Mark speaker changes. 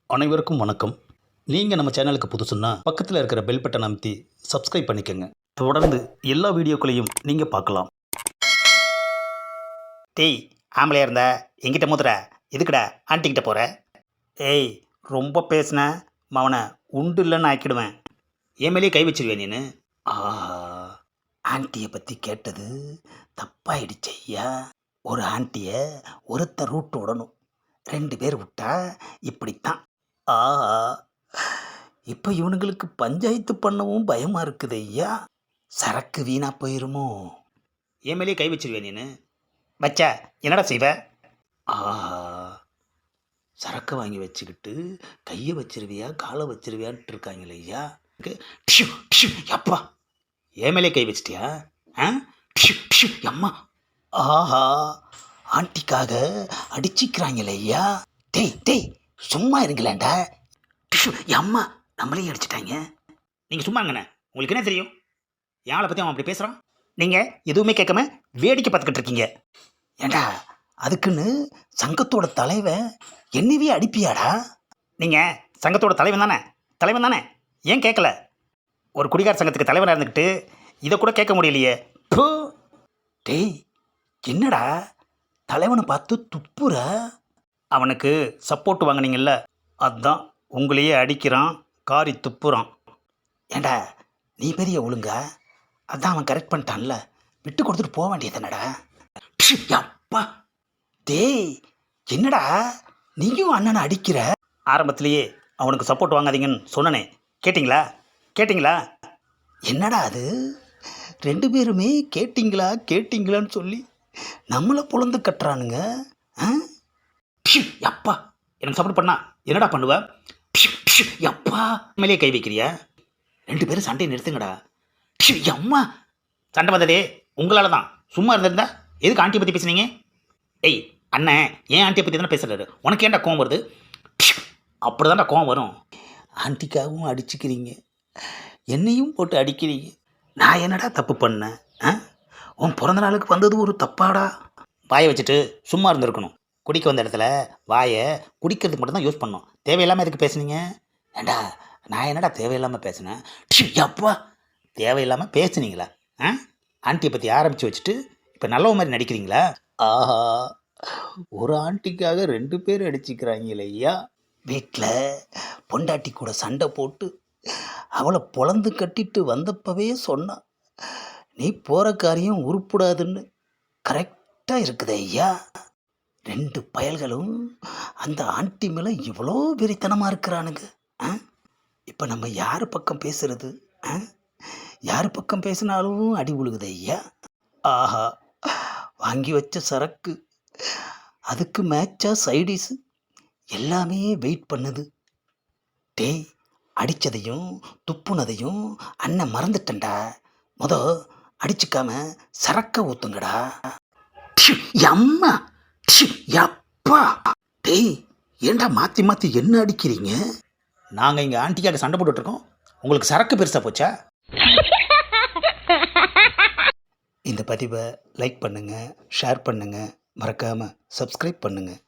Speaker 1: அனைவருக்கும் வணக்கம். நீங்கள் நம்ம சேனலுக்கு புதுசுன்னா பக்கத்தில் இருக்கிற பெல் பட்டன் அமைத்தி சப்ஸ்கிரைப் பண்ணிக்கோங்க. தொடர்ந்து எல்லா வீடியோக்களையும் நீங்கள் பார்க்கலாம்.
Speaker 2: டேய், ஆம்பளையா இருந்தா எங்கிட்ட மோதுற, எதுக்குடா ஆண்டிக்கிட்ட போகிற? ஏய், ரொம்ப பேசுன மவனை உண்டு இல்லைன்னு ஆக்கிடுவேன். என் மேலேயே கை வச்சிருவேன் நீனு. ஆஹா, ஆண்டியை பற்றி கேட்டது தப்பாயிடுச்சு ஐயா. ஒரு ஆண்டியை ஒருத்தர் ரூட்டு விடணும், 2 பேர் விட்டா இப்படித்தான். ஆஹா, இப்போ இவனுங்களுக்கு பஞ்சாயத்து பண்ணவும் பயமாக இருக்குது ஐயா. சரக்கு வீணா போயிருமோ? என் மேலேயே கை வச்சிருவேன் நீனு. வச்சா என்னடா செய்வ? ஆஹா, சரக்கு வாங்கி வச்சுக்கிட்டு கையை வச்சிருவியா காலை வச்சிருவியான்ட்டு இருக்காங்களே ஐயா. டிஷு டிஷு அப்பா, என் மேலே கை வச்சிட்டியா? ஆ, டிஷு டிஷு அம்மா. ஆஹா, ஆண்டிக்காக அடிச்சிக்கிறாங்களே ஐயா. டேய் டேய், சும்மா இருங்களேன்டா. டிஷு அம்மா, நம்மளையும் அடிச்சிட்டாங்க. நீங்கள் சும்மா இருங்கண்ணே, உங்களுக்கு என்ன தெரியும்? யாரை பற்றி அவன் அப்படி பேசுகிறான்? நீங்கள் எதுவுமே கேட்காம வேடிக்கை பார்த்துக்கிட்டு இருக்கீங்க. ஏண்டா, அதுக்குன்னு சங்கத்தோட தலைவன் என்னவே அடிப்பியாடா? நீங்கள் சங்கத்தோட தலைவன் தானே, ஏன் கேட்கல? ஒரு குடிகார சங்கத்துக்கு தலைவனாக இருந்துக்கிட்டு இதை கூட கேட்க முடியலையே. பூ. டேய், என்னடா தலைவனை பார்த்து துப்புற? அவனுக்கு சப்போர்ட் வாங்கினீங்கல்ல, அதுதான் உங்களையே அடிக்கிறான், காரி துப்புறான். ஏண்டா, நீ பெரிய ஒழுங்கா? அதான் அவன் கரெக்ட் பண்ணிட்டான்ல, விட்டு கொடுத்துட்டு போக வேண்டியது என்னடா? அப்பா, டேய் என்னடா நீயும் அண்ணனை அடிக்கிற? ஆரம்பத்திலேயே அவனுக்கு சப்போர்ட் வாங்காதீங்கன்னு சொன்னனே, கேட்டிங்களா? என்னடா அது, 2 பேருமே கேட்டிங்களான்னு சொல்லி நம்மளை புலந்து கட்டுறானுங்க. அப்பா, எனக்கு சப்போர்ட் பண்ணா என்னடா பண்ணுவ? அப்பா, மேலேயே கை வைக்கிறியா? 2 பேரும் சண்டையை நிறுத்துங்கடா. அம்மா, சண்டை வந்ததே உங்களால் தான். சும்மா இருந்திருந்தா எதுக்கு ஆண்டியை பற்றி பேசுனீங்க? ஏய் அண்ணன், ஏன் ஆண்டியை பற்றி தானே பேசுகிறாரு, உனக்கு ஏன்டா கோவம் வருது? அப்படி தான்டா கோவம் வரும். ஆண்டிக்காகவும் அடிச்சுக்கிறீங்க, என்னையும் போட்டு அடிக்கிறீங்க. நான் என்னடா தப்பு பண்ணேன்? உன் பிறந்த நாளுக்கு வந்தது ஒரு தப்பாடா? வாயை வச்சுட்டு சும்மா இருந்திருக்கணும். குடிக்க வந்த இடத்துல வாயை குடிக்கிறதுக்கு மட்டும்தான் யூஸ் பண்ணோம். தேவையில்லாமல் எதுக்கு பேசுனீங்க? ஏண்டா, நான் என்னடா தேவையில்லாமல் பேசினேன்? அப்பா, தேவையில்லாமல் பேசுனீங்களா? ஆண்டியை பற்றி ஆரம்பித்து வச்சுட்டு இப்போ நல்லவ மாதிரி நடிக்கிறீங்களா? ஆஹா, ஒரு ஆண்டிக்காக 2 பேர் அடிச்சுக்கிறாங்களே ஐயா. வீட்டில் பொண்டாட்டி கூட சண்டை போட்டு அவளை பொழந்து கட்டிட்டு வந்தப்பவே சொன்னான், நீ போகிற காரியம் உருப்படாதுன்னு. கரெக்டாக இருக்குது ஐயா. 2 பயல்களும் அந்த ஆண்டி மேலே இவ்வளோ வெறித்தனமாக இருக்கிறானுங்க. இப்போ நம்ம யார் பக்கம் பேசுறது? யார் பக்கம் பேசினாலும் அடி உழுகுது ஐயா. ஆஹா, வாங்கி வச்ச சரக்கு, அதுக்கு மேட்சா சைடிஸு, எல்லாமே வெயிட் பண்ணுது. டேய், அடித்ததையும் துப்புனதையும் அண்ணன் மறந்துட்டேன்டா. அடிச்சுக்காம சரக்க ஊத்துங்கடா. அம்மா, அப்பா, டேய் ஏண்டா மாற்றி என்ன அடிக்கிறீங்க? நாங்கள் இங்கே ஆண்டிக்காக சண்டை போட்டுட்ருக்கோம், உங்களுக்கு சரக்கு பெருசாக போச்சா? இந்த பதிவை லைக் பண்ணுங்கள், ஷேர் பண்ணுங்கள், மறக்காமல் சப்ஸ்கிரைப் பண்ணுங்கள்.